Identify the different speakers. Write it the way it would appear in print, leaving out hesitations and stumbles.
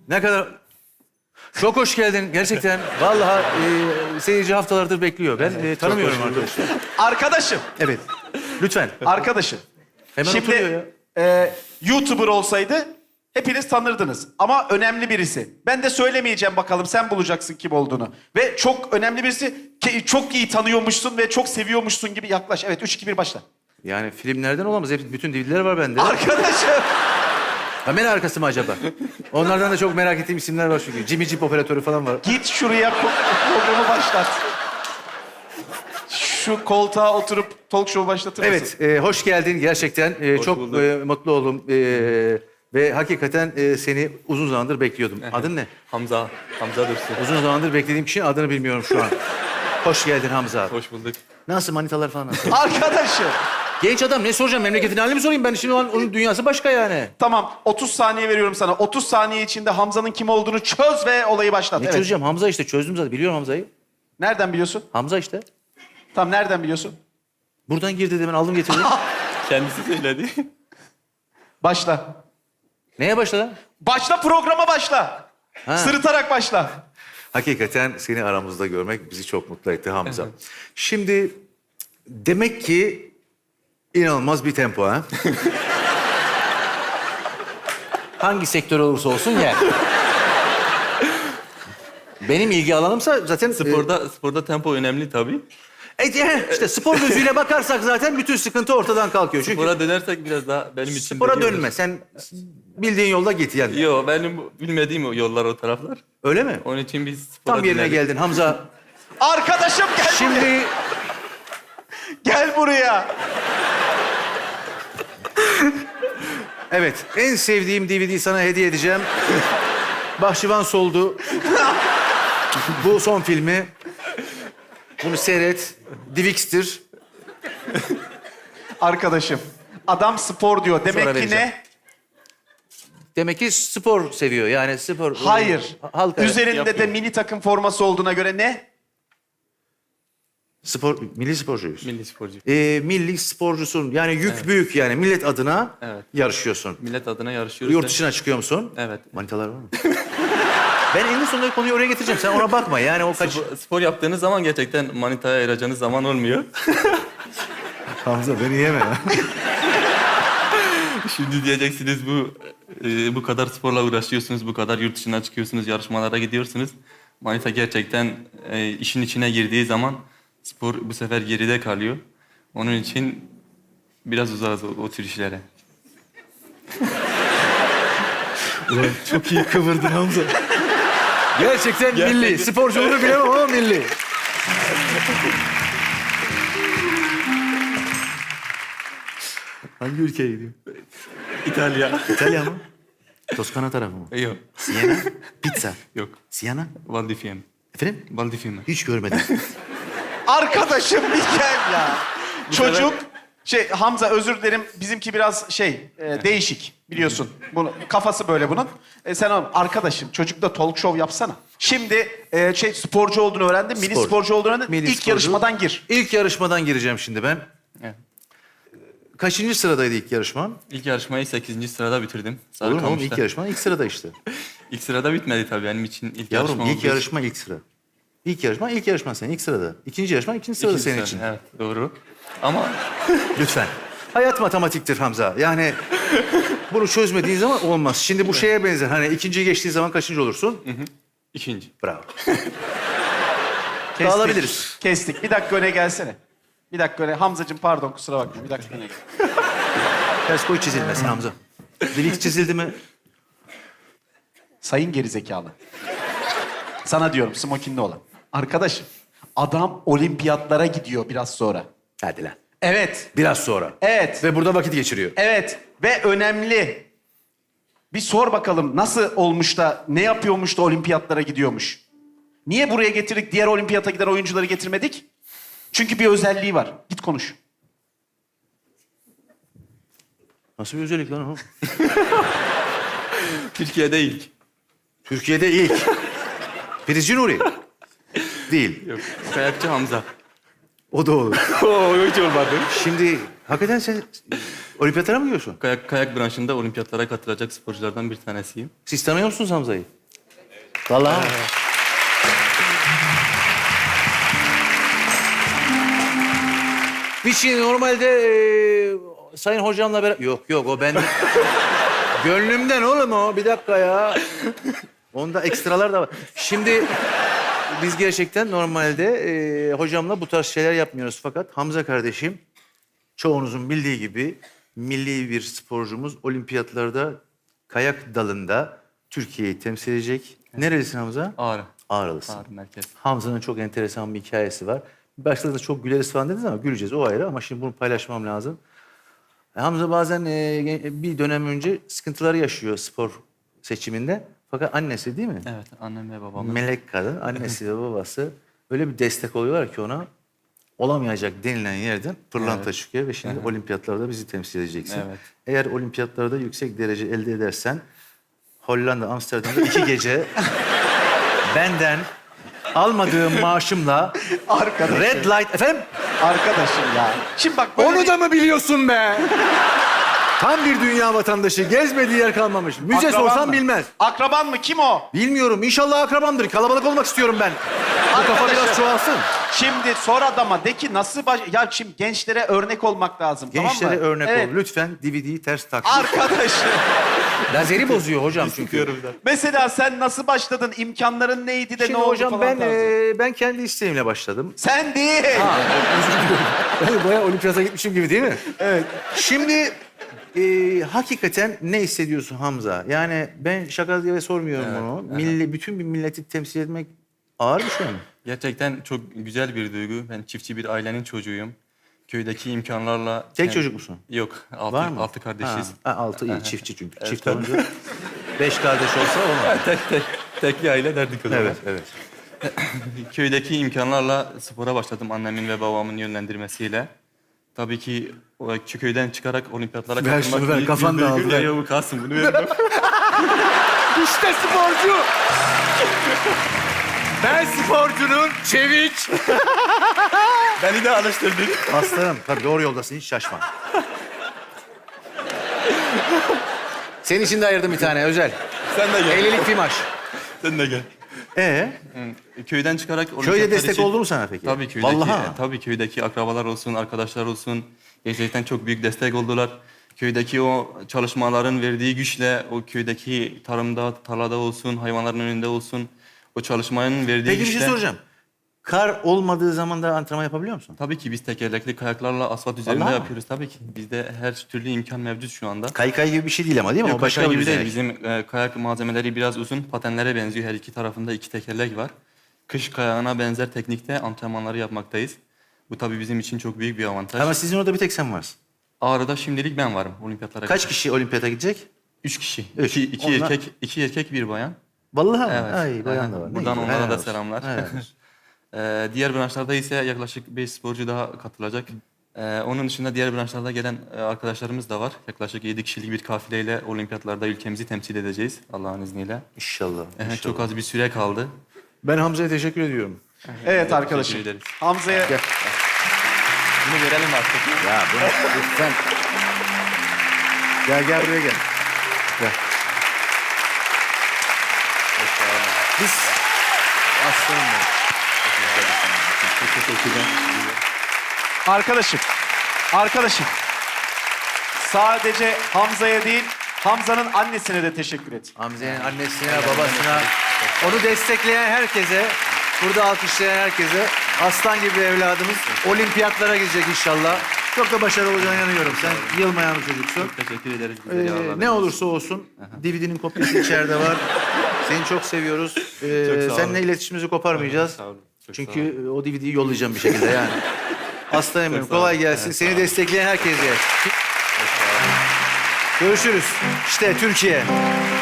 Speaker 1: Ne kadar... Çok hoş geldin gerçekten. Vallahi seyirci haftalardır bekliyor. Ben tanımıyorum arkadaşı.
Speaker 2: Arkadaşım,
Speaker 1: Evet. Lütfen.
Speaker 2: arkadaşım.
Speaker 1: Hemen oturuyor ya.
Speaker 2: Şimdi YouTuber olsaydı hepiniz tanırdınız. Ama önemli birisi. Ben de söylemeyeceğim bakalım, sen bulacaksın kim olduğunu. Ve çok önemli birisi, çok iyi tanıyormuşsun ve çok seviyormuşsun gibi yaklaş. Evet, 3, 2, 1 başla.
Speaker 1: Yani filmlerden olamaz. Hep, bütün DVD'ler var bende.
Speaker 2: Arkadaşım.
Speaker 1: Kamera arkası mı acaba? Onlardan da çok merak ettiğim isimler var çünkü. Jimmy Jeep operatörü falan var.
Speaker 2: Git şuraya programı başlat. Şu koltuğa oturup talk show başlatır mısın?
Speaker 1: Evet, hoş geldin gerçekten. Çok
Speaker 3: bulduk.
Speaker 1: mutlu oldum. Ve hakikaten seni uzun zamandır bekliyordum. Adın ne?
Speaker 3: Hamza Dursun.
Speaker 1: Uzun zamandır beklediğim kişinin adını bilmiyorum şu an. Hoş geldin Hamza.
Speaker 3: Hoş bulduk.
Speaker 1: Nasıl manitalar falan nasıl?
Speaker 2: Arkadaşım.
Speaker 1: Genç adam ne soracağım? Memleketin halini mi sorayım? Ben şimdi onun dünyası başka yani.
Speaker 2: Tamam, 30 saniye veriyorum sana. 30 saniye içinde Hamza'nın kim olduğunu çöz ve olayı başlat.
Speaker 1: Ne
Speaker 2: Evet.
Speaker 1: çözeceğim? Hamza işte çözdüm zaten. Biliyorum Hamza'yı.
Speaker 2: Nereden biliyorsun?
Speaker 1: Hamza işte.
Speaker 2: Tamam, nereden biliyorsun?
Speaker 1: Buradan girdi de ben aldım getirdim.
Speaker 3: Kendisi söyledi.
Speaker 2: Başla.
Speaker 1: Neye başladın?
Speaker 2: Başla, programa başla.
Speaker 1: Ha.
Speaker 2: Sırıtarak başla.
Speaker 1: Hakikaten seni aramızda görmek bizi çok mutlu etti Hamza. Şimdi demek ki inanılmaz bir tempo ha. Hangi sektör olursa olsun gel. Benim ilgi alanımsa zaten...
Speaker 3: Sporda tempo önemli tabii.
Speaker 1: işte spor gözüyle bakarsak zaten bütün sıkıntı ortadan kalkıyor. Çünkü
Speaker 3: Spora dönersek biraz daha benim için...
Speaker 1: spora
Speaker 3: de iyi olur.
Speaker 1: dönme. Sen bildiğin yolda git yani.
Speaker 3: Yo, benim bilmediğim o yollar, o taraflar.
Speaker 1: Öyle mi?
Speaker 3: Onun için biz spora
Speaker 1: Tam yerine
Speaker 3: dönelim.
Speaker 1: geldin Hamza.
Speaker 2: Arkadaşım gel buraya.
Speaker 1: Şimdi
Speaker 2: Gel buraya.
Speaker 1: evet en sevdiğim DVD'yi sana hediye edeceğim. Bahçıvan Soldu. Bu son filmi. Bunu seyret. Divix'tir.
Speaker 2: Arkadaşım. Adam spor diyor.
Speaker 1: Sonra
Speaker 2: Demek ki
Speaker 1: vereceğim.
Speaker 2: ne?
Speaker 1: Demek ki spor seviyor. Yani spor...
Speaker 2: Hayır.
Speaker 1: Halk
Speaker 2: Üzerinde
Speaker 3: yapıyor.
Speaker 2: de milli takım forması olduğuna göre ne?
Speaker 1: spor, milli sporcuyuz.
Speaker 3: Milli sporcu.
Speaker 1: Milli sporcusun. Yani yük büyük yani. Millet adına
Speaker 3: Evet.
Speaker 1: yarışıyorsun.
Speaker 3: Millet adına yarışıyoruz.
Speaker 1: Yurt dışına çıkıyor musun?
Speaker 3: Evet.
Speaker 1: Manitalar var mı? Ben eninde sonunda konuyu oraya getireceğim. Sen ona bakma. Yani o kaç...
Speaker 3: Spor yaptığınız zaman gerçekten manitaya ayıracağınız zaman olmuyor.
Speaker 1: Hamza beni yeme ya.
Speaker 3: Şimdi diyeceksiniz bu kadar sporla uğraşıyorsunuz, bu kadar yurt dışına çıkıyorsunuz, yarışmalara gidiyorsunuz. Manita gerçekten işin içine girdiği zaman spor bu sefer geride kalıyor. Onun için biraz uzağız o tür işlere.
Speaker 1: Ulan çok iyi kıvırdın Hamza. Gerçekten milli. Sporculuğunu bilemem ama milli. Hangi ülkeye gidiyor?
Speaker 3: İtalya.
Speaker 1: İtalya mı? Toskana tarafı mı?
Speaker 3: Yok,
Speaker 1: Siena? Pizza.
Speaker 3: yok.
Speaker 1: Siena?
Speaker 3: Val di Fiemme.
Speaker 1: Efendim?
Speaker 3: Val di Fiemme.
Speaker 1: Hiç görmedim.
Speaker 2: Arkadaşım bir gel ya. Çocuk... Hamza özür dilerim. Bizimki biraz değişik biliyorsun. Bunu, kafası böyle bunun. Sen arkadaşım çocukla talk show yapsana. Şimdi sporcu olduğunu öğrendim. Milli
Speaker 1: Spor.
Speaker 2: sporcu olduğunu öğrendim.
Speaker 1: Milli
Speaker 2: İlk
Speaker 1: sporcu.
Speaker 2: yarışmadan gir.
Speaker 1: İlk yarışmadan gireceğim şimdi ben.
Speaker 3: Evet.
Speaker 1: Kaçıncı sıradaydı ilk yarışman?
Speaker 3: İlk yarışmayı 8. sırada bitirdim.
Speaker 1: Olur mu oğlum?
Speaker 3: Sarıkamış'ta.
Speaker 1: İlk yarışman ilk sırada işte.
Speaker 3: İlk sırada bitmedi tabii benim için ilk
Speaker 1: Yavrum
Speaker 3: yarışma
Speaker 1: ilk
Speaker 3: olduğu için.
Speaker 1: yarışma ilk sıra. İlk yarışma senin ilk sırada. İkinci yarışma ikinci sırada
Speaker 3: İkinci
Speaker 1: senin
Speaker 3: sıra,
Speaker 1: için.
Speaker 3: Evet, doğru. Ama
Speaker 1: Lütfen. Hayat matematiktir Hamza. Yani bunu çözmediğin zaman olmaz. Şimdi bu şeye benzer. Hani ikinciyi geçtiğin zaman kaçıncı olursun?
Speaker 3: ikinci.
Speaker 1: Bravo.
Speaker 2: Kestik.
Speaker 1: Dağılabiliriz.
Speaker 2: Kestik. Bir dakika öne gelsene. Bir dakika öne. Hamzacığım pardon kusura bakma. Bir dakika öne gel.
Speaker 1: Ters koy çizilmesin Hamza. Dilik çizildi mi?
Speaker 2: Sayın gerizekalı. Sana diyorum smokinli olan. Arkadaşım adam olimpiyatlara gidiyor biraz sonra.
Speaker 1: Hadi lan.
Speaker 2: Evet.
Speaker 1: Biraz sonra.
Speaker 2: Evet.
Speaker 1: Ve burada vakit geçiriyor.
Speaker 2: Evet ve önemli. Bir sor bakalım nasıl olmuş da, ne yapıyormuş da olimpiyatlara gidiyormuş. Niye buraya getirdik, diğer olimpiyata giden oyuncuları getirmedik? Çünkü bir özelliği var. Git konuş.
Speaker 1: Nasıl bir özellik lan o?
Speaker 3: Türkiye'de ilk.
Speaker 1: Türkiye'de ilk. Prizci Nuri. Değil.
Speaker 3: Yok. Kayakçı Hamza.
Speaker 1: O da olur.
Speaker 3: Oo, hiç olmadı.
Speaker 1: Şimdi hakikaten sen Olimpiyatlara mı gidiyorsun?
Speaker 3: Kayak branşında olimpiyatlara katılacak sporculardan bir tanesiyim.
Speaker 1: Siz tanıyor musunuz Hamza'yı? Vallahi. Bir şey normalde sayın hocamla beraber... Yok o ben... Gönlümden oğlum o. Bir dakika ya. Onda ekstralar da var. Şimdi biz gerçekten normalde hocamla bu tarz şeyler yapmıyoruz. Fakat Hamza kardeşim çoğunuzun bildiği gibi milli bir sporcumuz olimpiyatlarda kayak dalında Türkiye'yi temsil edecek. Nerelisin Hamza?
Speaker 3: Ağrı.
Speaker 1: Ağrılısın.
Speaker 3: Ağrı merkez.
Speaker 1: Hamza'nın çok enteresan bir hikayesi var. Başladığında çok güleriz falan dediniz ama güleceğiz o ayrı ama şimdi bunu paylaşmam lazım. Hamza bazen bir dönem önce sıkıntıları yaşıyor spor seçiminde. Fakat annesi değil mi?
Speaker 3: Evet, annem ve babamın.
Speaker 1: Melek kadın, annesi ve babası öyle bir destek oluyorlar ki ona olamayacak denilen yerden pırlanta
Speaker 3: Evet.
Speaker 1: çıkıyor ve şimdi olimpiyatlarda bizi temsil edeceksin.
Speaker 3: Evet.
Speaker 1: Eğer olimpiyatlarda yüksek derece elde edersen Hollanda, Amsterdam'da 2 gece benden almadığım maaşımla
Speaker 2: Arkadaşım.
Speaker 1: Red Light... Efendim?
Speaker 2: Arkadaşım ya. Şimdi bak böyle
Speaker 1: Onu da mı biliyorsun be? Tam bir dünya vatandaşı. Gezmediği yer kalmamış. Müze
Speaker 2: Akraban
Speaker 1: sorsam
Speaker 2: mı?
Speaker 1: bilmez.
Speaker 2: Akraban mı? Kim o?
Speaker 1: Bilmiyorum. İnşallah akrabamdır. Kalabalık olmak istiyorum ben. Bu kafa
Speaker 2: Arkadaşım.
Speaker 1: biraz çoğalsın.
Speaker 2: Şimdi sor adama de ki nasıl Ya şimdi gençlere örnek olmak lazım
Speaker 1: Gençlere
Speaker 2: tamam mı?
Speaker 1: örnek
Speaker 2: Evet.
Speaker 1: ol. Lütfen DVD'yi ters tak.
Speaker 2: Arkadaşım.
Speaker 1: Lazeri bozuyor hocam çünkü.
Speaker 2: Mesela sen nasıl başladın? İmkanların neydi de
Speaker 1: Şimdi
Speaker 2: ne oldu
Speaker 1: hocam
Speaker 2: falan tarzı.
Speaker 1: ben kendi isteğimle başladım.
Speaker 2: Sen değil.
Speaker 1: Ben bayağı olimpiyata gitmişim gibi değil mi? Evet. Şimdi hakikaten ne hissediyorsun Hamza? Yani ben şaka diye sormuyorum bunu. Bütün bir milleti temsil etmek ağır bir şey mi?
Speaker 3: Gerçekten çok güzel bir duygu. Ben çiftçi bir ailenin çocuğuyum. Köydeki imkanlarla...
Speaker 1: Tek çocuk musun?
Speaker 3: Yok,
Speaker 1: Var mı?
Speaker 3: altı kardeşiz.
Speaker 1: Altı iyi. Çiftçi çünkü. Çift olunca 5 kardeş olsa olmaz.
Speaker 3: Tekli aile derdik o zaman.
Speaker 1: Evet.
Speaker 3: Köydeki imkanlarla spora başladım annemin ve babamın yönlendirmesiyle. Tabii ki o köyden çıkarak olimpiyatlara
Speaker 1: Ver
Speaker 3: katılmak
Speaker 1: şunu ver,
Speaker 3: büyük bir
Speaker 1: kafan
Speaker 3: duygu.
Speaker 1: dağıldı, ver.
Speaker 3: Ya bu kalsın bunu veririm.
Speaker 1: İşte sporcu. Ben sporcunun çevik.
Speaker 3: Beni de alıştırdın.
Speaker 1: Aslanım tabii doğru yoldasın hiç şaşma. Senin için de ayırdım bir tane özel.
Speaker 3: Sen de gel.
Speaker 1: 50'lik bir maç.
Speaker 3: Sen de gel. Köyden çıkarak
Speaker 1: Köyde
Speaker 3: olimpiyatlar
Speaker 1: destek
Speaker 3: için-
Speaker 1: oldu mu sana peki?
Speaker 3: Tabii köydeki,
Speaker 1: Vallahi.
Speaker 3: tabii köydeki akrabalar olsun, arkadaşlar olsun. Gerçekten çok büyük destek oldular. Köydeki o çalışmaların verdiği güçle, o köydeki tarımda, tarlada olsun, hayvanların önünde olsun, o çalışmanın verdiği
Speaker 1: Peki bir
Speaker 3: güçle...
Speaker 1: şey soracağım. Kar olmadığı zaman da antrenman yapabiliyor musun?
Speaker 3: Tabii ki biz tekerlekli kayaklarla asfalt üzerinde
Speaker 1: Vallahi mi?
Speaker 3: yapıyoruz. Tabii ki bizde her türlü imkan mevcut şu anda.
Speaker 1: Kaykay gibi bir şey değil ama değil mi?
Speaker 3: Yok,
Speaker 1: O başka
Speaker 3: kaykay
Speaker 1: bir
Speaker 3: gibi değil.
Speaker 1: yetenek.
Speaker 3: Bizim kayak malzemeleri biraz uzun, patenlere benziyor. Her iki tarafında 2 tekerlek var. Kış kayağına benzer teknikte antrenmanları yapmaktayız. Bu tabii bizim için çok büyük bir avantaj.
Speaker 1: Ama sizin orada bir tek sen varsın.
Speaker 3: Ağrı'da şimdilik ben varım olimpiyatlara.
Speaker 1: Kaç kişi olimpiyata gidecek?
Speaker 3: 3 kişi.
Speaker 1: Üç.
Speaker 3: 2
Speaker 1: Onlar-
Speaker 3: erkek, 2 erkek, bir bayan.
Speaker 1: Vallahi mi?
Speaker 3: Evet.
Speaker 1: Ay bayan da
Speaker 3: Aha.
Speaker 1: var. Ne
Speaker 3: Buradan
Speaker 1: güzel,
Speaker 3: onlara
Speaker 1: helal
Speaker 3: da
Speaker 1: olsun.
Speaker 3: selamlar.
Speaker 1: Helal olsun.
Speaker 3: Diğer branşlarda ise yaklaşık 5 sporcu daha katılacak. Onun dışında diğer branşlarda gelen arkadaşlarımız da var. Yaklaşık 7 kişilik bir kafileyle olimpiyatlarda ülkemizi temsil edeceğiz Allah'ın izniyle.
Speaker 1: İnşallah.
Speaker 3: Evet, çok az bir süre kaldı.
Speaker 1: Ben Hamza'ya teşekkür ediyorum.
Speaker 2: Evet arkadaşım.
Speaker 3: Teşekkür ederiz.
Speaker 2: Hamza'ya
Speaker 1: Gel.
Speaker 3: Bunu verelim artık.
Speaker 1: Ya bunu lütfen. Gel buraya gel. Gel. Biz aslanım ben.
Speaker 3: Çok teşekkürler.
Speaker 2: Arkadaşım. Sadece Hamza'ya değil, Hamza'nın annesine de teşekkür et.
Speaker 1: Hamza'nın annesine, babasına, onu destekleyen herkese, burada alkışlayan herkese, aslan gibi evladımız olimpiyatlara gidecek inşallah. Çok da başarılı olacağına inanıyorum. Sen yılmayan bir çocuksun.
Speaker 3: Çok teşekkür ederiz. bizleri ağırladığınız
Speaker 1: Ne
Speaker 3: için.
Speaker 1: olursa olsun DVD'nin kopyası içeride var. Seni çok seviyoruz.
Speaker 3: Çok sağ
Speaker 1: Seninle
Speaker 3: olun.
Speaker 1: iletişimimizi koparmayacağız.
Speaker 3: Sağ olun. Çok sağ
Speaker 1: Çünkü o DVD'yi yollayacağım bir şekilde yani. Aslanım benim.
Speaker 3: Çok sağ olun.
Speaker 1: Kolay gelsin. Seni destekleyen herkese. Görüşürüz. İşte Türkiye.